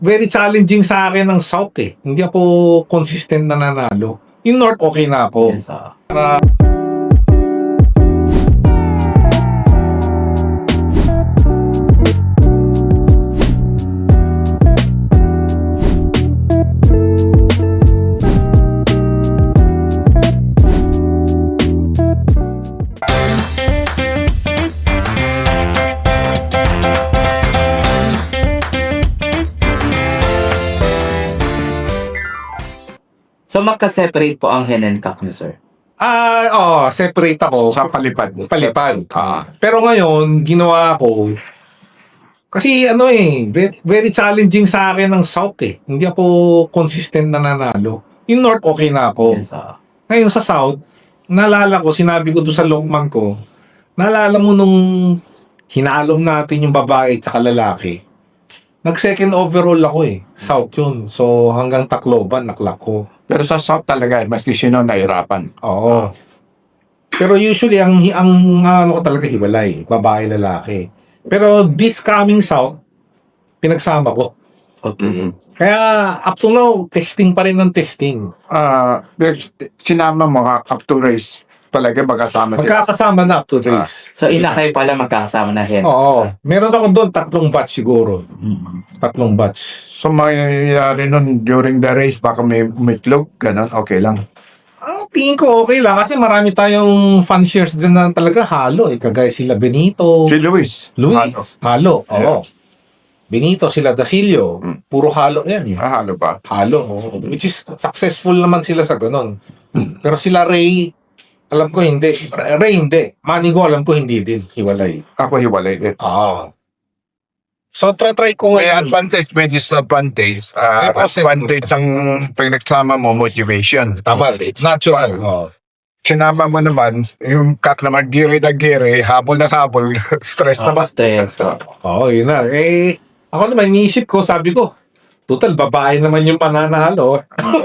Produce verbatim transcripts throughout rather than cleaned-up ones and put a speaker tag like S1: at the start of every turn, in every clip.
S1: very challenging sa akin ng South eh. Hindi ako consistent na nanalo. Yung North, okay na ako.
S2: Yes, ah. So, magka-separate po ang hen and cock niyo, sir?
S1: Ah, oo, separate ako.
S3: Sa palipad.
S1: Palipad. Ah. Pero ngayon, ginawa ko, kasi ano eh, very, very challenging sa akin ng South eh. Hindi ako consistent na nanalo. Yung North, okay na ako.
S2: Yes, ah.
S1: Ngayon sa South, naalala ko, sinabi ko doon sa Lokman ko, naalala mo nung hinalom natin yung babae at saka lalaki. Nag-second overall ako eh. South yun. So hanggang Tacloban, naklak ko.
S3: Pero sa South talaga, maski sino nahirapan.
S1: Oo. Pero usually, ang, ang ano ko talaga hiwalay. Babae, lalaki. Pero this coming South, pinagsama ko.
S2: Okay.
S1: Kaya up to now, testing pa rin ng testing.
S3: Ah, sinama mo ka up to race talaga magkasama sila.
S1: Magkakasama na up to race.
S2: So, ina kayo pala magkakasama na hen?
S1: Oo. Meron ako doon, tatlong batch siguro. Tatlong batch.
S3: So mangyayari nun during the race, baka may umitlog, ganun, okay lang.
S1: Ah, tingin ko okay lang kasi marami tayong fan shares dyan na talaga halo eh. Kagaya sila Benito,
S3: Si Luis.
S1: Luis, halo. Oo. Benito, sila Dasilio,
S3: Mm.
S1: puro halo yan eh.
S3: Ah, halo ba?
S1: Halo. oo. Which is successful naman sila sa ganun. Pero sila Ray, alam ko hindi. Ray hindi. Manigo alam ko hindi din. Hiwalay.
S3: Ako hiwalay din.
S1: Ah. So try-try ko
S3: May
S1: ngayon.
S3: advantage, may disadvantage. Ah,
S1: Eh, kasi-
S3: advantage ang pinagsama mo, motivation.
S1: Tama. Natural. Oh.
S3: Sinama mo naman, yung kak naman, giri na giri, habol na habol, stress na ba?
S2: Stress. ah.
S1: Oo, yun na. Eh, ako naman, iniisip ko, sabi ko, total, babae naman yung pananalo.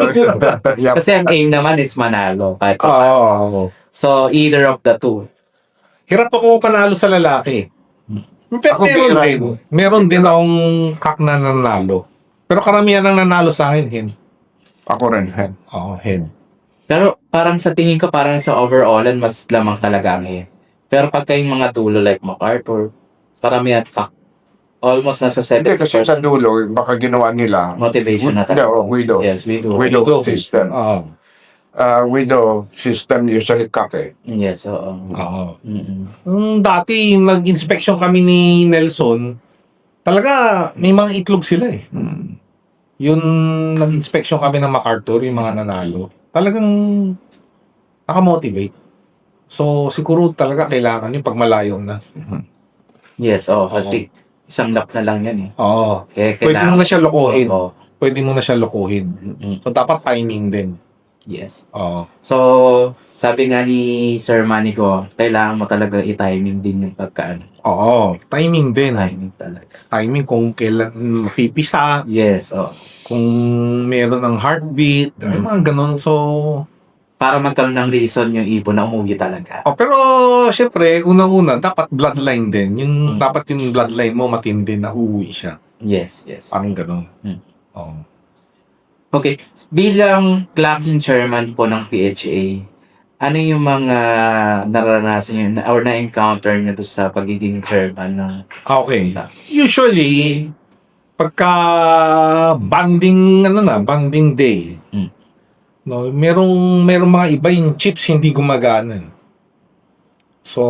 S3: Yup.
S2: Kasi ang aim naman is manalo. Kahit
S1: Oo.
S2: So, either of the two.
S1: Hirap ako panalo sa lalaki. Pero
S3: Ako
S1: meron
S3: bihira.
S1: din. Meron din akong kak na nanalo. Pero karamihan ang nanalo sa akin, hen.
S3: Ako rin, hen.
S1: Oo, hen.
S2: Pero parang sa tingin ko, parang sa overallan, mas lamang talaga ang hen. Pero pagka yung mga dulo like MacArthur, paramihan cock. Almost nasa
S3: Hindi,
S2: seventy
S3: kasi sa
S2: percent
S3: dulo, baka ginawa nila.
S2: motivation na
S3: Hindi,
S2: talaga.
S3: oh, widow.
S2: Yes, we do.
S3: Widow
S1: Widow.
S3: system.
S1: Oo.
S3: Uh, widow system usually kak eh.
S2: Yes, oo.
S1: Oo.
S2: Mm-mm.
S1: Nung dati, yung nag-inspection kami ni Nelson, talaga may mga itlog sila eh.
S3: Hmm.
S1: Yung nag-inspection kami ng MacArthur, yung mga nanalo, talagang nakamotivate. So, siguro talaga kailangan yung pag malayo na.
S2: Yes, oo. Kasi isang lap na lang yan eh.
S1: Oo.
S2: Kaya
S1: Pwede mo na siya lokohin.
S2: Oo.
S1: Pwede mo na siya lokohin.
S2: Mm-mm.
S1: So, dapat timing din.
S2: Yes.
S1: Oo.
S2: So, sabi nga ni Sir Manigo, kailangan mo talaga i-timing din yung pagkaan.
S1: Oo. Timing din.
S2: Timing talaga.
S1: Timing kung kailan mapipisa,
S2: Yes, oo.
S1: kung meron ng heartbeat, ay
S2: Mm.
S1: mga ganun. So,
S2: Para magkaroon ng reason yung ibon na umuwi talaga.
S1: oh, pero syempre, unang-una, dapat bloodline din. Yung,
S2: Mm.
S1: dapat yung bloodline mo matindi na uuwi siya.
S2: Yes, yes.
S1: Parang ganun.
S2: Mm.
S1: Oo.
S2: Okay, bilang clucking chairman po ng P H A, ano yung mga naranasan nyo na- or na-encounter nyo doon sa pagiging chairman ng...
S1: Okay. Usually, pagka banding, ano na, banding day,
S2: Mm.
S1: no, merong, merong mga iba yung chips hindi gumagana. So,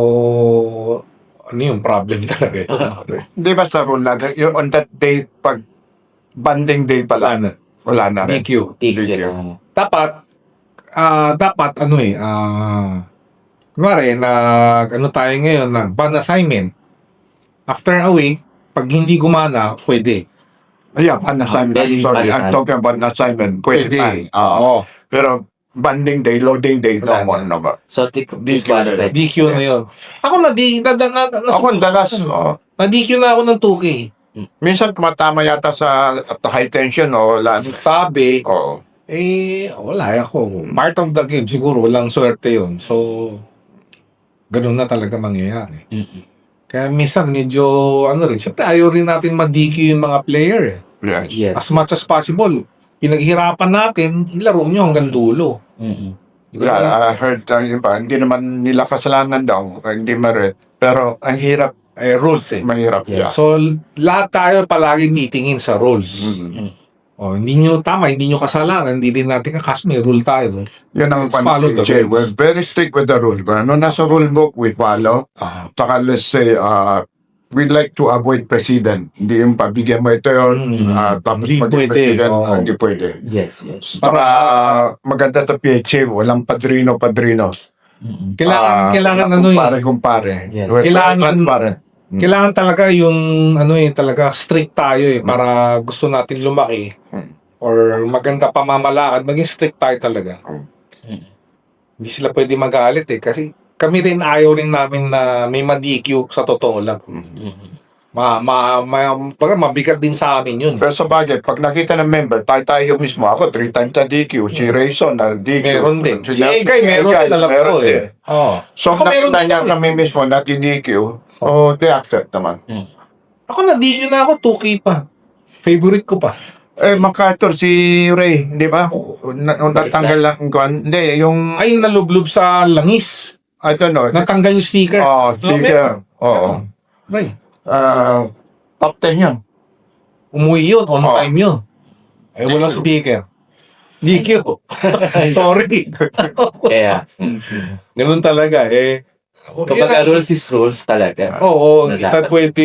S1: ano yung problem talaga ito?
S3: Hindi ba sa rule natin, yung on that day, pag banding day pala,
S1: Wala na.
S3: wala na
S1: D
S3: rin.
S1: Q.
S2: Tig
S3: Thank
S2: sila.
S1: Dapat, ah, dapat, ano eh, ah, kunwari, nag, ano tayo ngayon, nag ban assignment. After a week, pag hindi gumana, pwede.
S3: Yeah, an assignment.
S2: Pwede
S3: Sorry,
S2: palitan.
S3: I'm talking about an assignment. Pwede,
S1: Pwede.
S3: pa.
S1: Oo.
S3: Pero banding day, loading day, no
S1: Wala
S3: more,
S1: na.
S3: no more.
S2: So, tic- disqualified.
S1: D Q na yun. Ako na, di, na, na, na, na,
S3: Ako, dalas, oh,
S1: na-D Q na ako ng two K.
S3: minsan tumatama yata sa at high tension o wala.
S1: Sabi,
S3: Oo.
S1: eh, wala ako. Part of the game, siguro, walang swerte yun. So, ganun na talaga mangyayari.
S2: Mm-mm.
S1: Kaya minsan medyo, ano rin, siyempre ayaw rin natin ma-D Q yung mga player eh.
S3: Yes.
S2: Yes.
S1: As much as possible, pinaghirapan natin, ilaro nyo hanggang dulo.
S2: Mm-mm.
S3: Yeah, I heard uh, iba, hindi naman nila kasalanan daw, hindi merit. Pero ang hirap,
S1: Eh, rules eh.
S3: mahirap.
S2: Yes.
S3: Yeah.
S1: So, lahat tayo palagi titingin sa rules.
S3: Mm.
S1: Oh, hindi nyo tama, hindi nyo kasalanan, hindi din natin kakas may rule tayo.
S3: Yun ang
S1: Let's follow the
S3: P H A.
S1: rules.
S3: We're very strict with the rule. Kung ano nasa rule book, we follow.
S1: Ah,
S3: Saka let's say, uh, we'd like to avoid president. Hindi yung pabigyan mo ito yun,
S1: Mm.
S3: uh, tapos
S1: Hindi
S3: maging
S1: pwede,
S3: president,
S1: oo.
S3: hindi pwede.
S2: Yes, yes.
S3: Para maganda sa P H A, walang padrino-padrino.
S2: Mm-mm.
S1: kailangan,
S3: Ah,
S1: kailangan ano eh.
S3: kumpare-kumpare.
S2: Yes.
S3: We're very
S1: Kailangan-
S3: transparent.
S1: Kailangan talaga yung ano eh, talaga strict tayo eh, para gusto natin lumaki.
S3: Mm.
S1: Or maganda pamamalakad, maging strict tayo talaga.
S2: Mm.
S1: Hindi sila pwede magalit eh, kasi kami rin ayaw rin namin na may ma-D Q sa totoo lang.
S2: Mm-mm.
S1: Ma, ma, ma, parang mabigat din sa amin yun.
S3: Pero sa bagay, pag nakita ng member, tayo tayo mismo. Ako, three times na D Q. Si Rayson na D Q.
S1: Meron din. Si
S3: Jeff-
S1: Egay, meron
S3: Egay,
S1: din, alam
S3: meron
S1: ko
S3: din.
S1: eh. Oh.
S3: So,
S1: Ako
S3: kung
S1: meron
S3: nakita
S1: din
S3: niya
S1: ako eh.
S3: kami mismo na D Q, oh, they accept naman.
S1: Ako na-D Q na ako, two K pa. Favorite ko pa.
S3: Eh, MacArthur, si Ray, di ba? Na- Natanggal lang kuan. Hindi, yung,
S1: Ay, nalublob sa langis.
S3: I don't know.
S1: Natanggal yung sticker.
S3: Oh, sticker. Oo.
S1: Right.
S3: Ah, top ten yun.
S1: Umuwi yun, on
S3: Oh.
S1: time yun. Eh, walang sticker. D Q. Sorry.
S2: Kaya,
S1: Ganun talaga eh.
S2: kapag rules is rules talaga.
S1: Oo,
S2: Na
S1: kita
S2: dapat.
S1: pwede...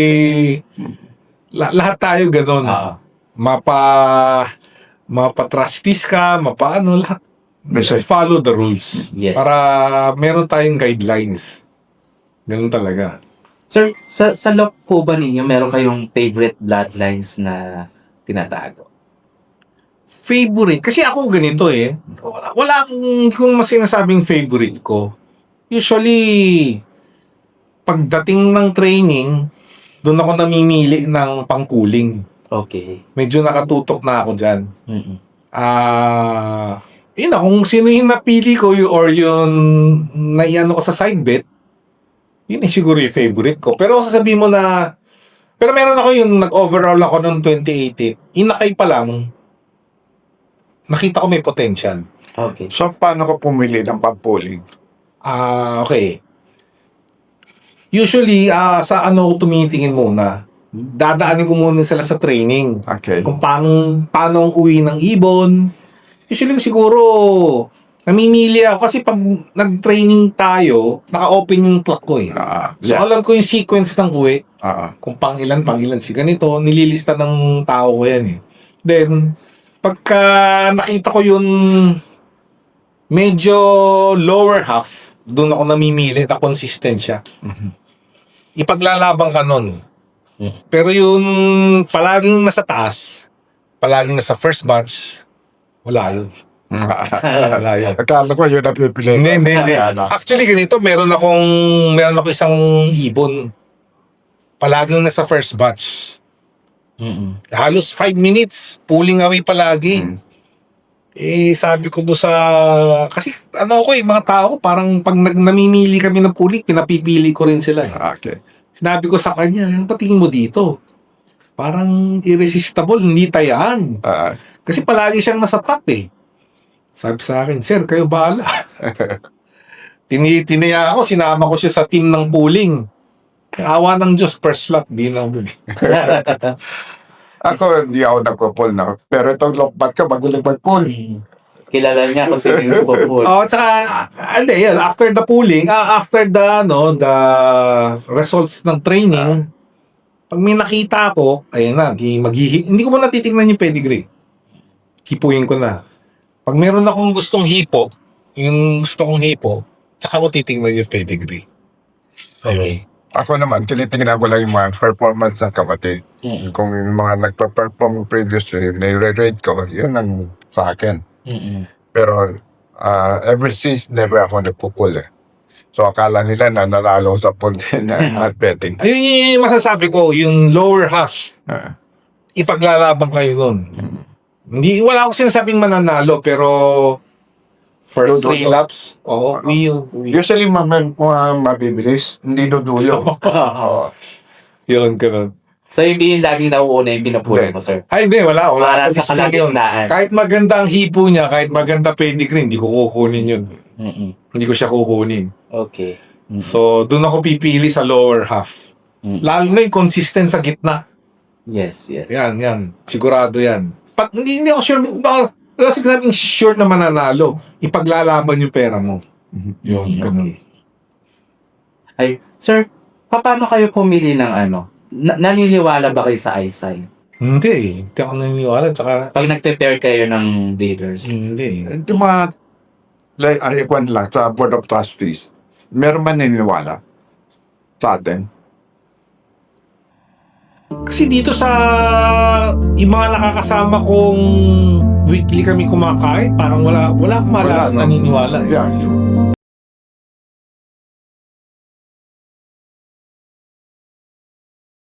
S1: La- lahat tayo ganun.
S2: Ah.
S1: Mapa... Mapa-trustees ka, mapa-ano, lahat.
S3: Basta,
S1: Let's follow the rules.
S2: Yes.
S1: Para meron tayong guidelines. Ganun talaga.
S2: Sir, sa, sa lock po ba ninyo, meron kayong favorite bloodlines na tinatago?
S1: Favorite? Kasi ako ganito eh. Wala, wala akong, hindi ko mas sinasabing favorite ko. Usually, pagdating ng training, doon ako namimili ng pangkuling.
S2: Okay.
S1: Medyo nakatutok na ako dyan.
S2: Mm-mm.
S1: Ah, yun na, kung sino yung napili ko y- or yung naiano ko sa side bet, yun eh siguro yung favorite ko. Pero sasabihin mo na, pero meron ako yung nag-overall ako noong twenty eighteen. Inakay pa lang, nakita ko may potential.
S2: Okay.
S3: so, paano ko pumili ng pampuling?
S1: Ah, okay. Usually, ah sa ano ko tumitingin muna, dadaanin ko muna sila sa training.
S3: Okay.
S1: Kung paano, paano ang uwi ng ibon. Usually siguro, namimili ako kasi pag nag-training tayo, naka-open yung clock ko eh.
S3: Ah,
S1: So
S3: yeah.
S1: alam ko yung sequence ng uwi,
S3: Ah,
S1: kung pang ilan, pang ilan si ganito, nililista ng tao ko yan eh. Then, pagka nakita ko yung medyo lower half, doon ako namimili na consistent siya. Ipaglalabang ka nun. Pero yung palaging nasa taas, palaging nasa first batch, wala yun. Wala yun.
S3: Akala ko yun ang pipili.
S1: Hindi, hindi, hindi.
S3: Ano?
S1: Actually, ganito, meron akong, meron ako isang ibon. Palaging nasa first batch.
S2: Mm-mm.
S1: Halos five minutes, pulling away palagi.
S3: Mm.
S1: Eh, sabi ko doon sa, kasi ano ko eh, mga tao, parang pag nag, namimili kami ng puli, pinapipili ko rin sila eh.
S3: Okay.
S1: Sinabi ko sa kanya, "Ang patingin mo dito? Parang irresistible, hindi tayaan.
S3: Ah,
S1: Kasi palagi siyang nasa top eh." Sabi sa akin, "Sir, kayo bahala." Tini Tinaya ako, sinama ko siya sa team ng pooling. Awa ng Diyos, first slot, di na buli.
S3: ako, hindi ako nagpo-pull na. Pero itong lompat ka, bago lang mag-pull.
S2: Kilala niya kung sino yung po.
S1: Oh, tsaka, ah, hindi, yan, after the pooling, ah, after the, no, the results ng training, pag may nakita ako, ayun na, di maghihi, hindi ko muna titignan yung pedigree. Hipuin ko na. Pag meron akong gustong hipo, yung gusto kong hipo, tsaka ko titignan yung pedigree. Okay.
S3: Ako naman, tinitingnan ko lang yung mga performance ng kapatid.
S2: Mm-mm.
S3: Kung yung mga nagpa-perform previously, nire-rate ko, yun ang sa akin.
S2: Mm-mm.
S3: Pero, uh, ever since, never ako nagpo-pull eh. So, akala nila na nanalo sa pull din na at betting.
S1: Ayun yung masasabi ko, yung lower half,
S3: Ah.
S1: ipaglalaban kayo nun. Hindi, wala akong sinasabing mananalo, pero first
S3: Dudulo.
S1: three laps, oo, uwi yun. uwi.
S3: Usually, mga mga mabibilis, hindi dudulo.
S2: Oo.
S1: Yun, ganun.
S2: So, hindi yung laging nauuna yung pinupulong mo, sir.
S1: Ay, hindi, wala. Wala
S2: Para
S1: sa
S2: sa
S1: lista yun.
S2: kalagitnaan.
S1: Kahit maganda ang hipo niya, kahit maganda pedigree, hindi ko kukunin yun.
S2: Mm-mm.
S1: Hindi ko siya kukunin.
S2: Okay. Mm.
S1: So, doon ako pipili sa lower half.
S2: Mm.
S1: Lalo na yung consistent sa gitna.
S2: Yes, yes.
S1: Yan, yan. Sigurado yan. Pat, hindi, hindi ako sure. No, wala sinasabing sure na mananalo. Ipaglalaban yung pera mo. Yun, ganun.
S2: Okay. Ay, sir, paano kayo pumili ng ano? Na- naniniwala ba kayo sa eyesight?
S1: Hindi eh. Hindi ako naniniwala. Tsaka,
S2: Pag nag-prepare kayo ng leaders?
S1: hindi eh.
S3: Yung mga, like, ano yung lang, sa Board of Trustees, meron man naniniwala sa atin?
S1: Kasi dito sa yung mga nakakasama kong weekly kami kumakain, parang wala wala akong
S3: Wala,
S1: malala
S3: no?
S1: naniniwala eh.
S3: Yeah.